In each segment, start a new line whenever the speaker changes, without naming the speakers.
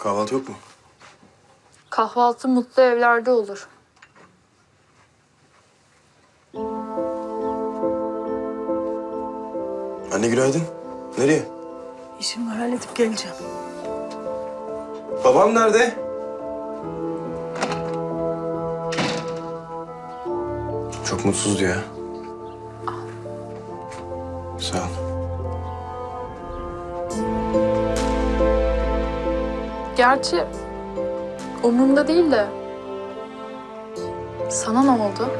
Kahvaltı yok mu?
Kahvaltı mutlu evlerde olur.
Anne günaydın. Nereye?
İşimi halledip geleceğim.
Babam nerede? Çok mutsuzdu ya. Sağ ol.
Gerçi umurumda değil de sana ne oldu?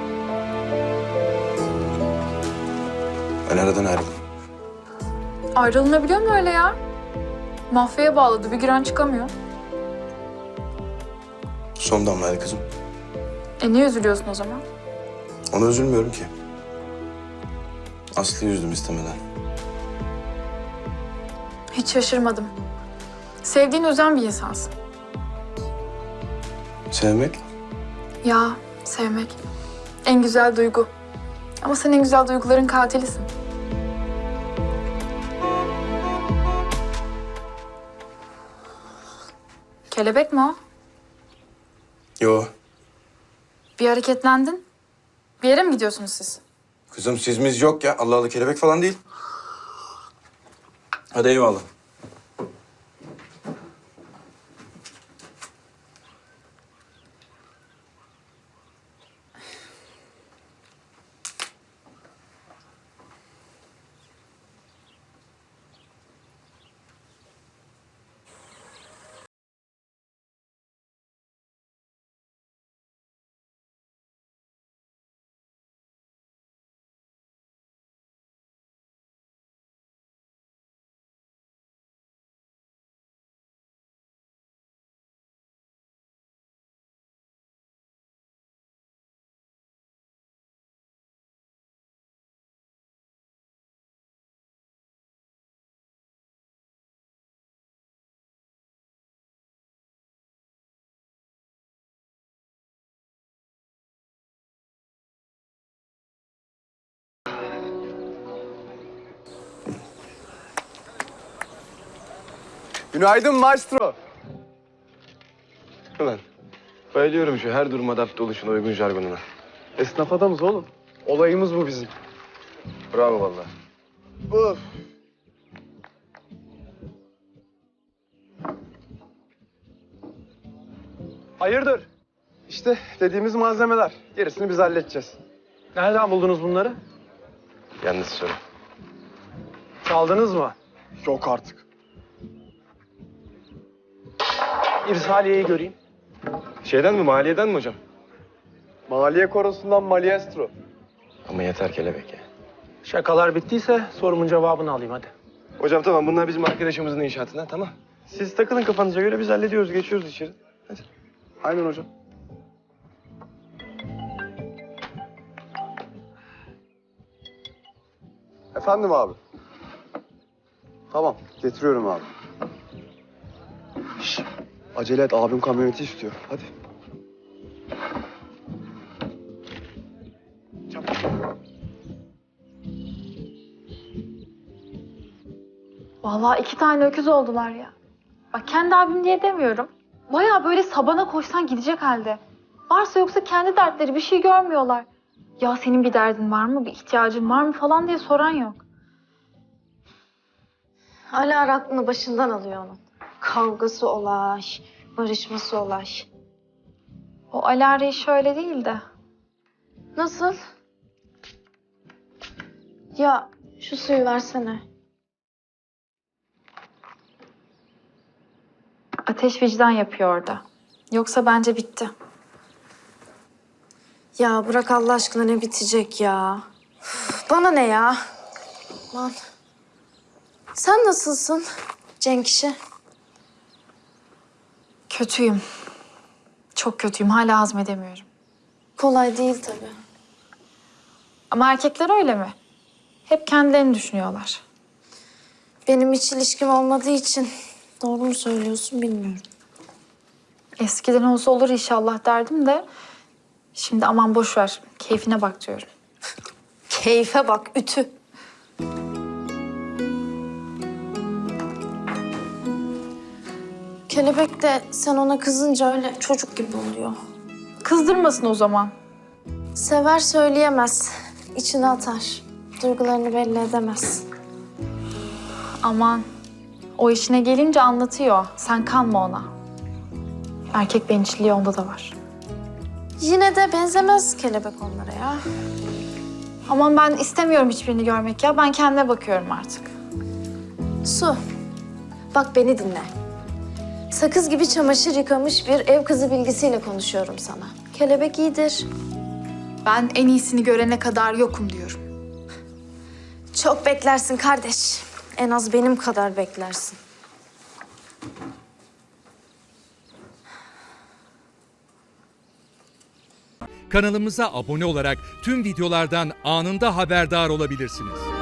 Ben aradan ayrıldım.
Ayrılınabiliyor mu öyle ya? Mafyaya bağladı, bir giren çıkamıyor.
Son damlaydı kızım.
Niye üzülüyorsun o zaman?
Ona üzülmüyorum ki. Aslı'yı üzdüm istemeden.
Hiç şaşırmadım. Sevdiğin, özen bir insansın.
Sevmek?
Ya, sevmek. En güzel duygu. Ama sen en güzel duyguların katilisin. Kelebek mi o?
Yo.
Bir hareketlendin. Bir yere mi gidiyorsunuz siz?
Kızım sizimiz yok ya. Allah Allah kelebek falan değil. Hadi eyvallah.
Günaydın maestro.
Ulan bayılıyorum şu her duruma adapte oluşuna uygun jargonuna.
Esnaf adamız oğlum. Olayımız bu bizim.
Bravo vallahi.
Of. Hayırdır? İşte dediğimiz malzemeler. Gerisini biz halledeceğiz. Nereden buldunuz bunları?
Yalnız soru.
Çaldınız mı? Yok artık. İrsaliye'yi göreyim.
Şeyden mi maliyeden mi hocam?
Maliye korosundan Maliestro.
Ama yeter kelebek ya.
Şakalar bittiyse sorumun cevabını alayım hadi.
Hocam tamam bunlar bizim arkadaşımızın inşaatına tamam. Siz takılın kafanıza göre biz hallediyoruz geçiyoruz içeri. Hadi.
Aynen hocam. Efendim abi. Tamam, getiriyorum abi. Şş, acele et, abim kamyoneti istiyor. Hadi.
Vallahi 2 tane öküz oldular ya. Bak kendi abim diye demiyorum. Bayağı böyle sabana koşsan gidecek halde. Varsa yoksa kendi dertleri, bir şey görmüyorlar. Ya senin bir derdin var mı, bir ihtiyacın var mı falan diye soran yok.
Hala aklını başından alıyor onun. Kavgası olay, barışması olay.
O Alara'yı şöyle değil de.
Nasıl? Ya şu suyu versene.
Ateş vicdan yapıyor orada. Yoksa bence bitti.
Ya bırak Allah aşkına, ne bitecek ya? Üf, bana ne ya? Aman. Sen nasılsın Cenk işi?
Kötüyüm. Çok kötüyüm. Hala hazmedemiyorum.
Kolay değil tabii.
Ama erkekler öyle mi? Hep kendilerini düşünüyorlar.
Benim hiç ilişkim olmadığı için doğru mu söylüyorsun bilmiyorum.
Eskiden olsa olur inşallah derdim de... Şimdi aman boş ver. Keyfine bak diyorum.
Keyfe bak, ütü. Kelebek de sen ona kızınca öyle çocuk gibi oluyor.
Kızdırmasın o zaman.
Sever söyleyemez. İçine atar. Duygularını belli edemez.
Aman. O işine gelince anlatıyor. Sen kanma ona. Erkek bencilliği onda da var.
Yine de benzemez kelebek onlara ya.
Aman ben istemiyorum hiçbirini görmek ya. Ben kendime bakıyorum artık.
Su, bak beni dinle. Sakız gibi çamaşır yıkamış bir ev kızı bilgisiyle konuşuyorum sana. Kelebek iyidir.
Ben en iyisini görene kadar yokum diyorum.
Çok beklersin kardeş. En az benim kadar beklersin.
Kanalımıza abone olarak tüm videolardan anında haberdar olabilirsiniz.